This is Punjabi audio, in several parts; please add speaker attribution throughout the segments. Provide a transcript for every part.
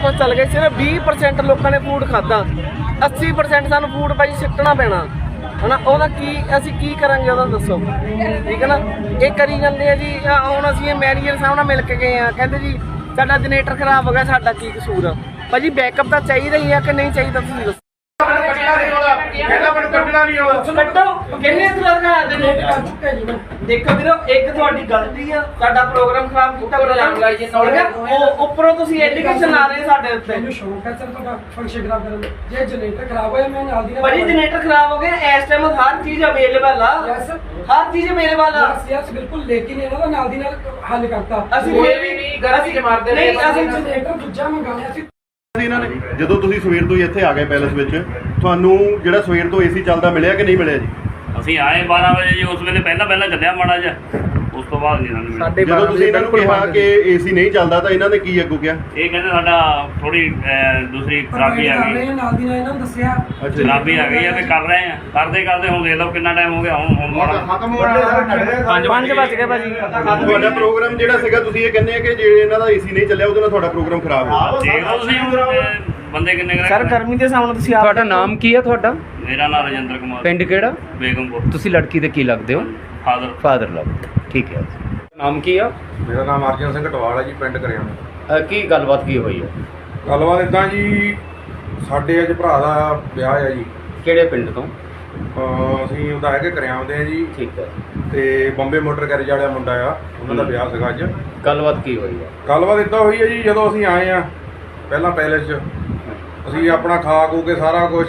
Speaker 1: ਆਪਾਂ ਚੱਲ ਗਏ, ਸਿਰਫ 20% ਲੋਕਾਂ ਨੇ ਫੂਡ ਖਾਧਾ, 80% ਸਾਨੂੰ ਫੂਡ ਭਾਈ ਸਿੱਟਣਾ ਪੈਣਾ ਹਨਾ। ਉਹਦਾ ਕੀ ਅਸੀਂ ਕੀ ਕਰਾਂਗੇ ਉਹਦਾ ਦੱਸੋ, ਠੀਕ ਹੈ ਨਾ। ਇਹ ਕਰੀ ਜਾਂਦੇ ਆ ਜੀ। ਹੁਣ ਅਸੀਂ ਇਹ ਮੈਨੇਜਰ ਸਾਹਿਬ ਨਾਲ ਮਿਲ ਕੇ ਗਏ ਆ, ਕਹਿੰਦੇ ਜੀ ਸਾਡਾ ਜਨਰੇਟਰ ਖਰਾਬ ਹੋ ਗਿਆ, ਸਾਡਾ ਕੀ ਕਸੂਰ ਆ ਭਾਜੀ? ਬੈਕਅਪ ਤਾਂ ਚਾਹੀਦਾ ਹੀ ਆ ਕਿ ਨਹੀਂ ਚਾਹੀਦਾ, ਤੁਸੀਂ ਦੱਸੋ। ਦੇਖੋ ਵੀਰੋ, ਇੱਕ ਤੁਹਾਡੀ ਗਲਤੀ ਆ, ਸਾਡਾ ਪ੍ਰੋਗਰਾਮ ਖਰਾਬ ਕੀਤਾ, ਉੱਪਰੋਂ ਤੁਸੀਂ ਐਲੀਗੇਸ਼ਨ ਲਾ ਰਹੇ ਸਾਡੇ ਉੱਤੇ।
Speaker 2: ਮੈਨੂੰ ਸ਼ੌਂਕ ਹੈ ਸਰ ਤੁਹਾਡਾ ਫੰਕਸ਼ਨ ਖਰਾਬ ਕਰਨ ਦਾ। ਜੇ ਜਨਰੇਟਰ ਖਰਾਬ ਹੋਇਆ ਮੈਂ ਨਾਲ ਦੀ ਨਾਲ
Speaker 1: ਭਾਜੀ ਜਨਰੇਟਰ ਖਰਾਬ ਹੋ ਗਿਆ, ਇਸ ਟਾਈਮ ਹਰ ਚੀਜ਼ ਅਵੇਲੇਬਲ ਆ, ਹਰ ਚੀਜ਼ ਅਵੇਲੇਬਲ ਆ।
Speaker 2: ਯਸ ਬਿਲਕੁਲ, ਲੇਕਿਨ ਇਹਨਾਂ ਦਾ ਨਾਲ ਦੀ ਨਾਲ ਹੱਲ ਕਰਤਾ।
Speaker 1: ਅਸੀਂ ਕੋਈ ਵੀ ਗਲਤੀ ਮਾਰਦੇ ਨਹੀਂ, ਅਸੀਂ
Speaker 2: ਜਨਰੇਟਰ ਦੂਜਾ ਮੰਗਾਇਆ ਸੀ।
Speaker 3: ਇਹਨਾਂ ਨੇ ਜਦੋਂ ਤੁਸੀਂ ਸਵੇਰ ਤੋਂ ਹੀ ਇੱਥੇ ਆ ਗਏ ਪੈਲਸ ਵਿੱਚ, ਤੁਹਾਨੂੰ ਜਿਹੜਾ ਸਵੇਰ ਤੋਂ ਏਸੀ ਚੱਲਦਾ ਮਿਲਿਆ ਕਿ ਨਹੀਂ ਮਿਲਿਆ ਜੀ?
Speaker 4: ਅਸੀਂ ਆਏ 12 ਵਜੇ ਜੀ, ਉਸ ਵੇਲੇ ਪਹਿਲਾਂ ਚੱਲਿਆ ਮਾੜਾ ਜਿਹਾ, ਉਸ ਤੋਂ ਬਾਅਦ ਨਹੀਂ ਸਾਨੂੰ ਮਿਲਿਆ।
Speaker 3: ਜਦੋਂ ਤੁਸੀਂ ਇਹਨਾਂ ਨੂੰ ਕਿਹਾ ਕਿ ਏਸੀ ਨਹੀਂ ਚੱਲਦਾ ਤਾਂ ਇਹਨਾਂ ਨੇ ਕੀ ਅੱਗੋਂ ਕਿਹਾ?
Speaker 4: ਇਹ ਕਹਿੰਦੇ ਸਾਡਾ ਥੋੜੀ ਦੂਸਰੀ ਖਰਾਬੀ ਆ ਗਈ,
Speaker 2: ਨਾਲ ਦੀ ਨਾਲ ਇਹਨਾਂ ਨੂੰ ਦੱਸਿਆ
Speaker 4: ਖਰਾਬੀ ਆ ਗਈ ਆ ਤੇ ਕਰ ਰਹੇ ਆ, ਕਰਦੇ ਹੁਣ ਦੇਖ ਲਓ ਕਿੰਨਾ ਟਾਈਮ ਹੋ ਗਿਆ। ਹੁਣ
Speaker 3: ਖਤਮ ਹੋ ਰਿਹਾ,
Speaker 1: 5 ਵੱਜ ਗਏ ਭਾਜੀ।
Speaker 3: ਤੁਹਾਡਾ ਪ੍ਰੋਗਰਾਮ ਜਿਹੜਾ ਸੀਗਾ, ਤੁਸੀਂ ਇਹ ਕਹਿੰਦੇ ਆ ਕਿ ਜੇ ਇਹਨਾਂ ਦਾ ਏਸੀ ਨਹੀਂ ਚੱਲਿਆ ਉਹਦੇ ਨਾਲ ਤੁਹਾਡਾ ਪ੍ਰੋਗਰਾਮ ਖਰਾਬ ਹੋ ਗਿਆ।
Speaker 4: ਦੇਖ ਲਓ ਤੁਸੀਂ ਬੰਦੇ ਕਿੰਨੇ ਕੁ
Speaker 1: ਸਰ ਗਰਮੀ ਦੇ ਸਾਹਮਣੇ ਤੁਸੀਂ ਆਪ।
Speaker 5: ਤੁਹਾਡਾ ਨਾਮ ਕੀ ਹੈ ਤੁਹਾਡਾ?
Speaker 4: ਮੇਰਾ ਨਾਮ ਰਜਿੰਦਰ ਕੁਮਾਰ,
Speaker 5: ਪਿੰਡ ਕਿਹੜਾ?
Speaker 4: ਬੇਗਮਪੁਰ।
Speaker 5: ਤੁਸੀਂ ਲੜਕੀ ਦੇ ਕੀ ਲੱਗਦੇ ਹੋ?
Speaker 4: ਫਾਦਰ
Speaker 5: ਲੱਗਦੇ, ਠੀਕ ਹੈ। ਨਾਮ ਕੀ ਆ?
Speaker 6: ਮੇਰਾ ਨਾਮ ਅਰਜਨ ਸਿੰਘ ਟਵਾਲ ਹੈ ਜੀ, ਪਿੰਡ ਕਰਿਆਣਾ।
Speaker 5: ਕੀ ਗੱਲਬਾਤ ਕੀ ਹੋਈ ਹੈ?
Speaker 6: ਗੱਲਬਾਤ ਇੱਦਾਂ ਜੀ, ਸਾਡੇ ਅੱਜ ਭਰਾ ਦਾ ਵਿਆਹ ਹੈ ਜੀ।
Speaker 5: ਕਿਹੜੇ ਪਿੰਡ ਤੋਂ?
Speaker 6: ਅਸੀਂ ਉਹਦਾ ਹੈਗੇ ਕਰਿਆਮ ਦੇ ਆ ਜੀ,
Speaker 5: ਠੀਕ ਹੈ।
Speaker 6: ਤੇ ਬੰਬੇ ਮੋਟਰ ਗੈਰੇਜ ਵਾਲਾ ਮੁੰਡਾ ਆ, ਉਹਨਾਂ ਦਾ ਵਿਆਹ ਸੀਗਾ ਅੱਜ।
Speaker 5: ਗੱਲਬਾਤ ਕੀ ਹੋਈ ਹੈ?
Speaker 6: ਗੱਲਬਾਤ ਇੱਦਾਂ ਹੋਈ ਹੈ ਜੀ, ਜਦੋਂ ਅਸੀਂ ਆਏ ਆ ਪਹਿਲਾਂ ਪੈਲੇਸ 'ਚ, ਅਸੀਂ ਆਪਣਾ ਖਾ ਖੂ ਕੇ ਸਾਰਾ ਕੁਝ,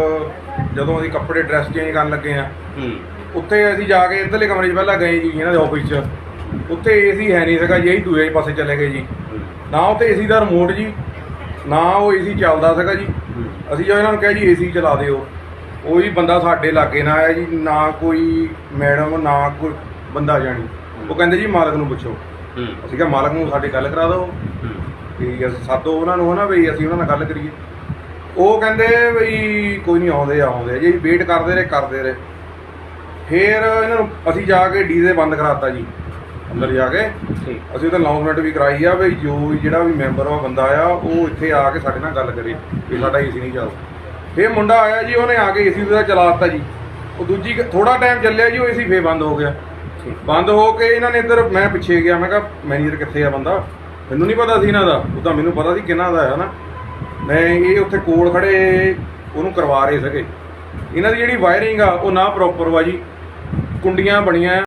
Speaker 6: ਜਦੋਂ ਅਸੀਂ ਕੱਪੜੇ ਡਰੈਸ ਚੇਂਜ ਕਰਨ ਲੱਗੇ ਆ, ਉੱਥੇ ਅਸੀਂ ਜਾ ਕੇ ਇੱਧਰਲੇ ਕਮਰੇ 'ਚ ਪਹਿਲਾਂ ਗਏ ਜੀ ਇਹਨਾਂ ਦੇ ਆਫਿਸ 'ਚ। ਉੱਥੇ ਏਸੀ ਹੈ ਨਹੀਂ ਸੀਗਾ ਜੀ, ਅਸੀਂ ਦੂਜੇ ਪਾਸੇ ਚਲੇ ਗਏ ਜੀ। ਨਾ ਉੱਥੇ ਏਸੀ ਦਾ ਰਿਮੋਟ ਜੀ, ਨਾ ਉਹ ਏਸੀ ਚੱਲਦਾ ਸੀਗਾ ਜੀ। ਅਸੀਂ ਜਦੋਂ ਇਹਨਾਂ ਨੂੰ ਕਿਹਾ ਜੀ ਏਸੀ ਚਲਾ ਦਿਓ, ਉਹ ਜੀ ਬੰਦਾ ਸਾਡੇ ਲਾਗੇ ਨਾ ਆਇਆ ਜੀ, ਨਾ ਕੋਈ ਮੈਡਮ ਨਾ ਕੋਈ ਬੰਦਾ ਜਾਣੀ। ਉਹ ਕਹਿੰਦੇ ਜੀ ਮਾਲਕ ਨੂੰ ਪੁੱਛੋ। ਅਸੀਂ ਕਿਹਾ ਮਾਲਕ ਨੂੰ ਸਾਡੇ ਗੱਲ ਕਰਾ ਦਿਓ ਵੀ ਅਸੀਂ ਸਾਦੋ ਉਹਨਾਂ ਨੂੰ ਹਨਾ, ਵੀ ਅਸੀਂ ਉਹਨਾਂ ਨਾਲ ਗੱਲ ਕਰੀਏ। ਉਹ ਕਹਿੰਦੇ ਵੀ ਕੋਈ ਨਹੀਂ, ਆਉਂਦੇ ਜੀ। ਵੇਟ ਕਰਦੇ ਰਹੇ। ਫਿਰ ਇਹਨਾਂ ਨੂੰ ਅਸੀਂ ਜਾ ਕੇ ਡੀਜ਼ੇ ਬੰਦ ਕਰਾਤਾ ਜੀ, ਅੰਦਰ ਜਾ ਕੇ। ਅਸੀਂ ਉਹਦਾ ਅਨਾਉਂਸਮੈਂਟ ਵੀ ਕਰਾਈ ਆ ਵੀ ਜੋ ਜਿਹੜਾ ਵੀ ਮੈਂਬਰ ਆ ਬੰਦਾ ਆ, ਉਹ ਇੱਥੇ ਆ ਕੇ ਸਾਡੇ ਨਾਲ ਗੱਲ ਕਰੇ ਵੀ ਸਾਡਾ ਏਸੀ ਨਹੀਂ ਚੱਲਦਾ। ਫਿਰ ਮੁੰਡਾ ਆਇਆ ਜੀ, ਉਹਨੇ ਆ ਕੇ ਏਸੀ ਉਹਦਾ ਚਲਾ ਦਿੱਤਾ ਜੀ। ਉਹ ਦੂਜੀ ਥੋੜਾ ਟਾਈਮ ਚੱਲਿਆ ਜੀ, ਉਹ ਏਸੀ ਫੇਰ ਬੰਦ ਹੋ ਗਿਆ। ਬੰਦ ਹੋ ਕੇ ਇਹਨਾਂ ਨੇ ਇੱਧਰ, ਮੈਂ ਪਿੱਛੇ ਗਿਆ, ਮੈਂ ਕਿਹਾ ਮੈਨੇਜਰ ਕਿੱਥੇ ਆ ਬੰਦਾ? ਮੈਨੂੰ ਨਹੀਂ ਪਤਾ ਸੀ ਇਹਨਾਂ ਦਾ, ਉਹ ਤਾਂ ਮੈਨੂੰ ਪਤਾ ਸੀ ਕਿਹਨਾਂ ਦਾ ਹੈ ਨਾ। ਮੈਂ ਇਹ ਉੱਥੇ ਕੋਲ ਖੜੇ ਉਹਨੂੰ ਕਰਵਾ ਰਹੇ ਸੀਗੇ। ਇਹਨਾਂ ਦੀ ਜਿਹੜੀ ਵਾਇਰਿੰਗ ਆ ਉਹ ਨਾ ਪ੍ਰੋਪਰ ਵਾ ਜੀ, ਕੁੰਡੀਆਂ ਬਣੀਆਂ